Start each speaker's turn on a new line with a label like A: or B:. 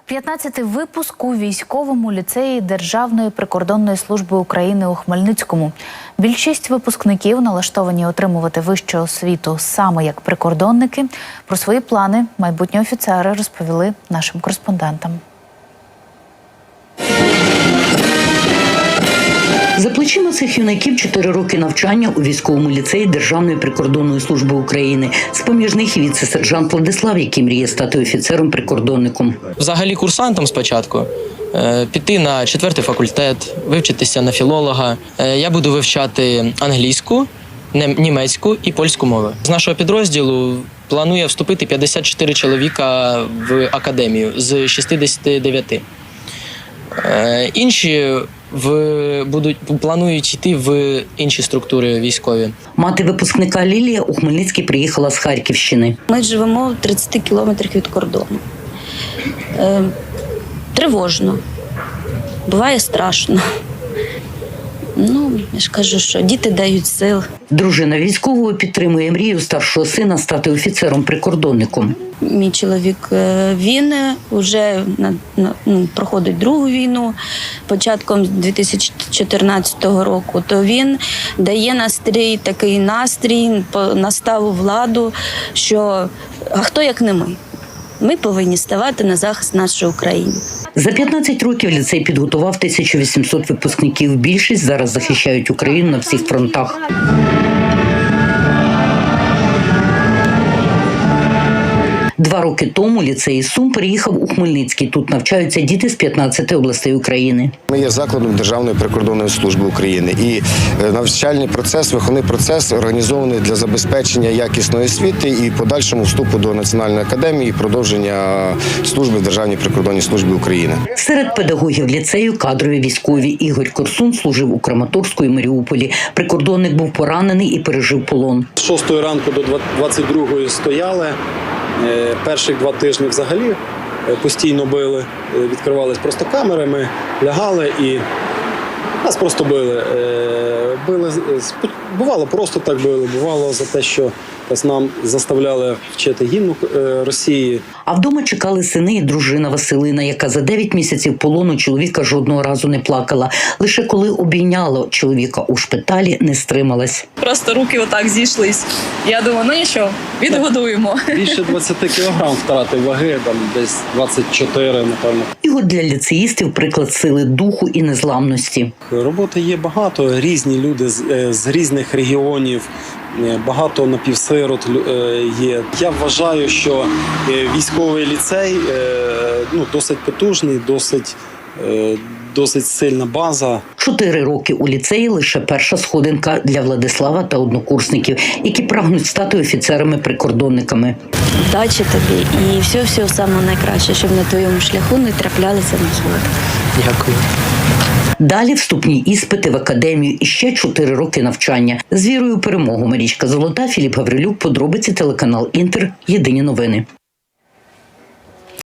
A: 15-й випуск у військовому ліцеї Державної прикордонної служби України у Хмельницькому. Більшість випускників налаштовані отримувати вищу освіту саме як прикордонники. Про свої плани майбутні офіцери розповіли нашим кореспондентам.
B: За плечима цих юнаків 4 роки навчання у військовому ліцеї Державної прикордонної служби України. З-поміж них і віце-сержант Владислав, який мріє стати офіцером-прикордонником.
C: Взагалі курсантом спочатку піти на 4-й факультет, вивчитися на філолога. Я буду вивчати англійську, німецьку і польську мови. З нашого підрозділу планує вступити 54 чоловіка в академію з 69. Інші планують йти в інші структури військові.
B: Мати випускника Лілія у Хмельницький приїхала з Харківщини.
D: Ми живемо в 30 кілометрах від кордону. Тривожно. Буває страшно. Я ж кажу, що діти дають сил.
B: Дружина військового підтримує мрію старшого сина стати офіцером-прикордонником.
D: Мій чоловік, він вже проходить другу війну, початком 2014 року, то він дає такий настрій, наставу владу, що а хто як не ми? Ми повинні ставати на захист нашої України.
B: За 15 років ліцей підготував 1800 випускників. Більшість зараз захищають Україну на всіх фронтах. Два роки тому ліцей із Сум переїхав у Хмельницький. Тут навчаються діти з 15 областей України.
E: Ми є закладом Державної прикордонної служби України. І навчальний процес, виховний процес організований для забезпечення якісної освіти і подальшому вступу до Національної академії і продовження служби в Державній прикордонній службі України.
B: Серед педагогів ліцею кадрові військові. Ігор Корсун служив у Краматорську і Маріуполі. Прикордонник був поранений і пережив полон.
F: З 6 ранку до 22 стояли. Перших 2 тижні взагалі постійно били, відкривались просто камери, ми лягали і нас просто били. Бувало, просто так били, бувало за те, що нам заставляли вчити гімн Росії.
B: А вдома чекали сини і дружина Василина, яка за 9 місяців полону чоловіка жодного разу не плакала. Лише коли обійняла чоловіка у шпиталі, не стрималась.
G: Просто руки отак зійшлись. Я думаю, нічого, відгодуємо.
F: Більше 20 кілограм втратив ваги, десь 24, напевно.
B: І от для ліцеїстів приклад сили духу і незламності.
F: Роботи є багато, різні люди з різних регіонів. Багато напівсирот є. Я вважаю, що військовий ліцей досить потужний, досить сильна база. 4 роки у ліцеї – лише перша сходинка для Владислава та однокурсників, які прагнуть стати офіцерами-прикордонниками.
D: Удачі тобі і все саме найкраще, щоб на твоєму шляху не траплялися незгоди.
C: Дякую.
B: Далі вступні іспити в академію і ще 4 роки навчання. З вірою у перемогу. Марічка Золота, Філіп Гаврилюк, подробиці, телеканал Інтер, Єдині новини.